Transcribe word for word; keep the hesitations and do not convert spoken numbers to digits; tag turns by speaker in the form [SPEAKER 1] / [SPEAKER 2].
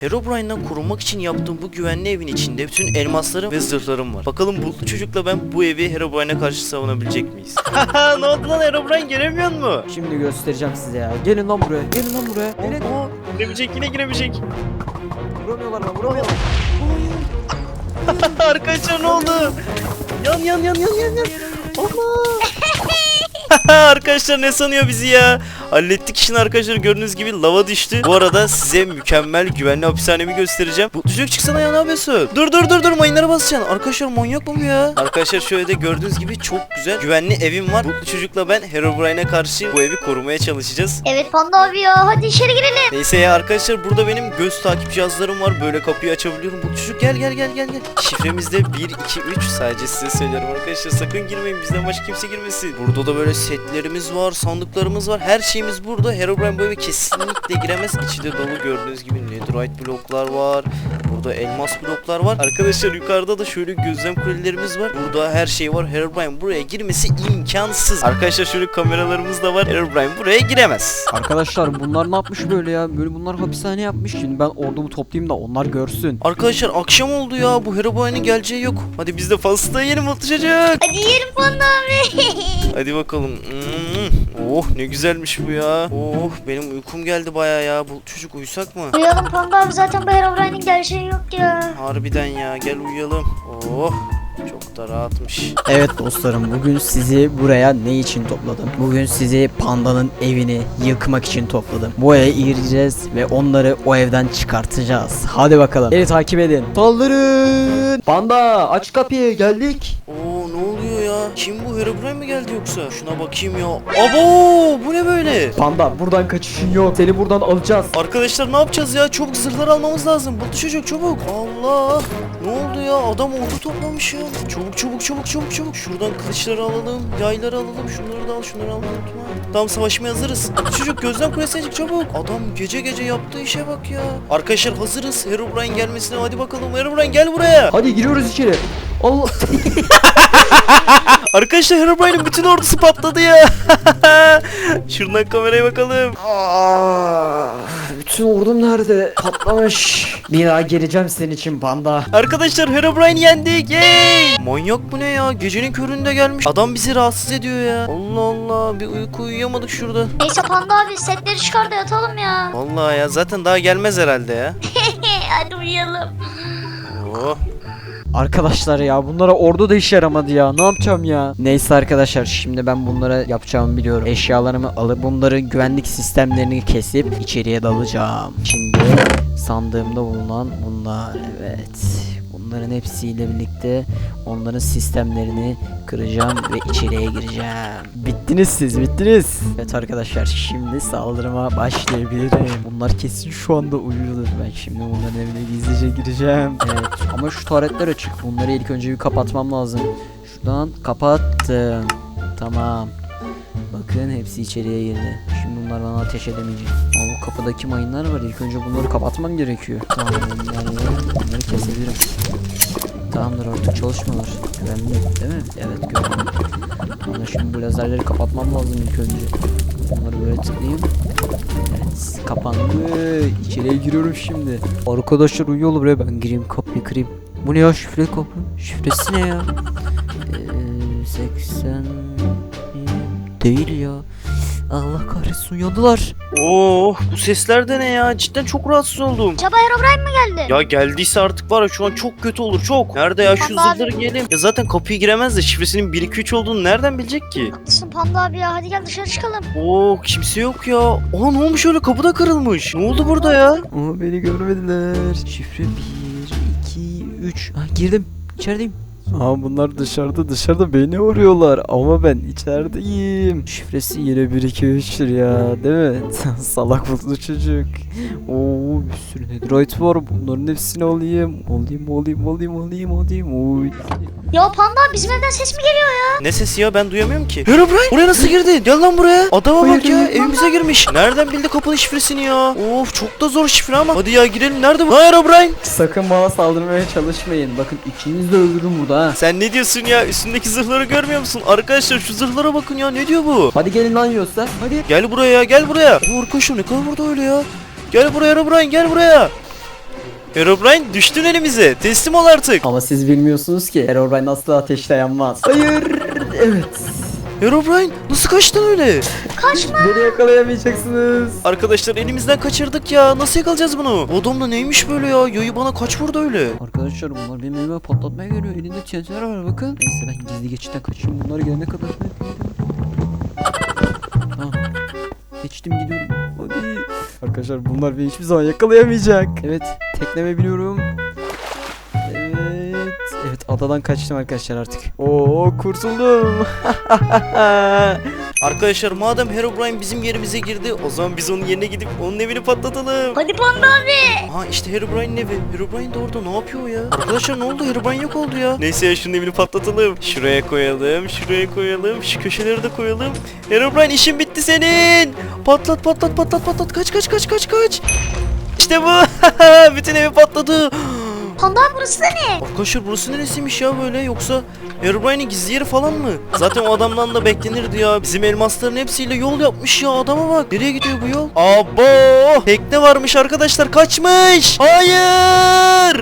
[SPEAKER 1] Herobrine'den korunmak için yaptığım bu güvenli evin içinde bütün elmaslarım ve zırhlarım var. Bakalım bulutlu çocukla ben bu evi Herobrine'e karşı savunabilecek miyiz? Haha, ne oldu lan, Herobrine gelemiyor mu?
[SPEAKER 2] Şimdi göstereceğim size ya. Gelin lan buraya. Gelin lan buraya. Gelin.
[SPEAKER 1] Oo, giremeyecek, yine giremeyecek.
[SPEAKER 2] Vuramıyorlar lan, vuramıyorlar.
[SPEAKER 1] Arkadaşlar ne oldu? Yan yan yan yan yan yan. Allah. Arkadaşlar ne sanıyor bizi ya? Hallettik işini arkadaşlar, gördüğünüz gibi lava düştü. Bu arada size mükemmel güvenli hapishanemi göstereceğim. Bu çocuk çıksana ya, ne yapıyorsun? Dur dur dur dur, mayınlara basacaksın. Arkadaşlar manyak mı bu ya? Arkadaşlar şöyle de gördüğünüz gibi çok güzel güvenli evim var. Bu çocukla ben Herobrine'e karşı bu evi korumaya çalışacağız.
[SPEAKER 3] Evet Panda abi ya, hadi içeri girelim.
[SPEAKER 1] Neyse ya arkadaşlar, burada benim göz takip cihazlarım var. Böyle kapıyı açabiliyorum. Bu çocuk gel gel gel gel gel. Şifremiz de bir iki üç, sadece size söylüyorum arkadaşlar. Sakın girmeyin, bizden başka kimse girmesin. Burada da böyle setlerimiz var, sandıklarımız var. Her şeyimiz burada. Herobrine bu eve kesinlikle giremez. İçi de dolu, gördüğünüz gibi netherite bloklar var. Burada elmas bloklar var. Arkadaşlar yukarıda da şöyle gözlem kulelerimiz var. Burada her şey var. Herobrine buraya girmesi imkansız. Arkadaşlar şöyle kameralarımız da var. Herobrine buraya giremez.
[SPEAKER 2] Arkadaşlar bunlar ne yapmış böyle ya? Böyle bunlar hapishane yapmış. Şimdi ben ordumu toplayayım da onlar görsün.
[SPEAKER 1] Arkadaşlar akşam oldu ya. Bu Herobrine'in geleceği yok. Hadi biz de pasta yiyelim mutlu çocuk.
[SPEAKER 3] Hadi yiyelim Panda abi.
[SPEAKER 1] Hadi bakalım. Hmm. Oh ne güzelmiş bu ya. Oh benim uykum geldi baya ya. Bu çocuk uyusak mı?
[SPEAKER 3] Uyuyalım Panda abi, zaten bu Herobrine'in gerçeği yok ya.
[SPEAKER 1] Harbiden ya, gel uyuyalım. Oh çok da rahatmış.
[SPEAKER 2] Evet dostlarım, bugün sizi buraya ne için topladım? Bugün sizi Panda'nın evini yıkmak için topladım. Bu eve gireceğiz ve onları o evden çıkartacağız. Hadi bakalım. Beni takip edin. Saldırın. Panda aç kapıyı, geldik.
[SPEAKER 1] Oo ne oluyor ya? Kim bu, Herobrine mi geldi yoksa? Şuna bakayım ya. Abo bu ne böyle?
[SPEAKER 2] Panda buradan kaçışın yok. Seni buradan alacağız.
[SPEAKER 1] Arkadaşlar ne yapacağız ya? Çabuk zırhları almamız lazım. Bu çocuk çabuk. Allah. Ne oldu ya? Adam ordu toplamış ya. Çabuk çabuk çabuk çabuk çabuk. Şuradan kılıçları alalım. Yayları alalım. Şunları da al. Şunları al. Unutma. Tamam, savaşmaya hazırız. Bu çocuk gözden kulesine çık çabuk. Adam gece gece yaptığı işe bak ya. Arkadaşlar hazırız. Herobrine gelmesine hadi bakalım. Herobrine gel buraya.
[SPEAKER 2] Hadi giriyoruz içeri. Allah.
[SPEAKER 1] Arkadaşlar Herobrine'in bütün ordusu patladı ya. Şuradan kameraya bakalım.
[SPEAKER 2] Aa, bütün ordum nerede? Patlamış. Bir daha geleceğim senin için Panda.
[SPEAKER 1] Arkadaşlar Herobrine yendik. Yay! Manyak bu ne ya? Gecenin köründe gelmiş. Adam bizi rahatsız ediyor ya. Allah Allah, bir uyku uyuyamadık şurada.
[SPEAKER 3] Neyse Panda abi, setleri çıkar da yatalım ya.
[SPEAKER 1] Vallahi ya, zaten daha gelmez herhalde ya.
[SPEAKER 3] Hadi uyuyalım.
[SPEAKER 1] Oh.
[SPEAKER 2] Arkadaşlar ya bunlara ordu da işe yaramadı ya. Ne yapacağım ya? Neyse arkadaşlar, şimdi ben bunlara yapacağımı biliyorum. Eşyalarımı alıp bunların güvenlik sistemlerini kesip içeriye dalacağım. Şimdi sandığımda bulunan bunlar, evet. Bunların hepsiyle birlikte onların sistemlerini kıracağım ve içeriye gireceğim. Bittiniz siz, bittiniz. Evet arkadaşlar, şimdi saldırıma başlayabilirim. Bunlar kesin şu anda uyuyordur. Ben şimdi bunların evine gizlice gireceğim. Evet ama şu taretler açık. Bunları ilk önce bir kapatmam lazım. Şuradan kapattım. Tamam. Bakın hepsi içeriye girdi. Şimdi bunlar bana ateş edemeyecek. Ama bu kapıdaki mayınlar var. İlk önce bunları kapatmam gerekiyor. Tamam, bunları, bunları kesebilirim. Tamamdır, artık çalışmıyorlar. Güvenli değil mi? Evet, güvenli. Ama şimdi bu lazerleri kapatmam lazım ilk önce. Bunları böyle tıklayayım. Evet, kapandı. İçeriye giriyorum şimdi. Arkadaşlar uyuyor buraya, ben gireyim kapıyı kırayım. Bu ne ya, şifreli kapı? Şifresi ne ya? Ee, seksen değil ya. Allah kahretsin, uyandılar.
[SPEAKER 1] Oh bu sesler de ne ya? Cidden çok rahatsız oldum.
[SPEAKER 3] Acaba Herobrine mi geldi?
[SPEAKER 1] Ya geldiyse artık var ya, şu an çok kötü olur, çok. Nerede ya, şu
[SPEAKER 3] Panda
[SPEAKER 1] zırhları giyelim. Ya zaten kapıyı giremez de şifresinin bir iki üç olduğunu nereden bilecek ki?
[SPEAKER 3] Haklısın Panda abi ya, hadi gel dışarı çıkalım.
[SPEAKER 1] Oo kimse yok ya. Aa ne olmuş öyle, kapıda kırılmış. Ne oldu burada ya?
[SPEAKER 2] Ama beni görmediler. Şifre bir, iki, üç. Ha, girdim. İçerideyim. Aa bunlar dışarıda dışarıda beni arıyorlar ama ben içerideyim. Şifresi yine bir iki üçtür ya, değil mi? Salak mutlu çocuk. Oo bir sürü netherite var, bunların hepsini alayım. Alayım alayım alayım alayım alayım. Oy.
[SPEAKER 3] Ya Panda abi, bizim evden ses mi geliyor ya?
[SPEAKER 1] Ne sesi ya, ben duyamıyorum ki. Herobrine buraya nasıl girdi? Gel lan buraya. Adama bak ya,
[SPEAKER 2] Hayır,
[SPEAKER 1] evimize girmiş. Nereden bildi kapının şifresini ya? Of çok da zor şifre ama. Hadi ya girelim, nerede bu? Ha Herobrine.
[SPEAKER 2] Sakın bana saldırmaya çalışmayın. Bakın ikiniz de öldürürüm burada ha.
[SPEAKER 1] Sen ne diyorsun ya? Üstündeki zırhları görmüyor musun? Arkadaşlar şu zırhlara bakın ya, ne diyor bu?
[SPEAKER 2] Hadi gelin lan Yosta. Hadi.
[SPEAKER 1] Gel buraya ya, gel buraya. Oo, arkadaşlar ne kadar burada öyle ya? Gel buraya Herobrine, gel buraya. Herobrine düştün elimize. Teslim ol artık.
[SPEAKER 2] Ama siz bilmiyorsunuz ki Herobrine asla ateşle yanmaz. Hayır. Evet.
[SPEAKER 1] Herobrine nasıl kaçtın öyle?
[SPEAKER 3] Kaçma.
[SPEAKER 2] Beni yakalayamayacaksınız.
[SPEAKER 1] Arkadaşlar elimizden kaçırdık ya. Nasıl yakalayacağız bunu? Bu adam da neymiş böyle ya? Yayı bana kaç vurdu öyle?
[SPEAKER 2] Arkadaşlar bunlar benim elime patlatmaya geliyor. Elinde T N T'ler var bakın. Neyse ben gizli geçitten kaçayım. Bunlar gelene kadar. Tamam. Geçtim gidiyorum. Hadi. Arkadaşlar bunlar beni hiçbir zaman yakalayamayacak. Evet. Tekneme biniyorum. Evet. Evet adadan kaçtım arkadaşlar artık. Oo kurtuldum.
[SPEAKER 1] Arkadaşlar madem Herobrine bizim yerimize girdi, o zaman biz onun yerine gidip onun evini patlatalım.
[SPEAKER 3] Hadi Panda abi.
[SPEAKER 1] Ha işte Herobrine'in evi. Herobrine de orada, ne yapıyor ya? Arkadaşlar ne oldu? Herobrine yok oldu ya. Neyse ya, şunun evini patlatalım. Şuraya koyalım, şuraya koyalım, şu köşeleri de koyalım. Herobrine işin bitti senin. Patlat patlat patlat patlat. Kaç kaç kaç kaç kaç. İşte bu. Bütün evi patladı.
[SPEAKER 3] Panda abi burası da ne?
[SPEAKER 1] Arkadaşlar burası neresiymiş ya böyle, yoksa Herobrine'in gizli yeri falan mı? Zaten o adamdan da beklenirdi ya. Bizim elmasların hepsiyle yol yapmış ya, adama bak. Nereye gidiyor bu yol? Abo! Tekne varmış arkadaşlar, kaçmış. Hayır!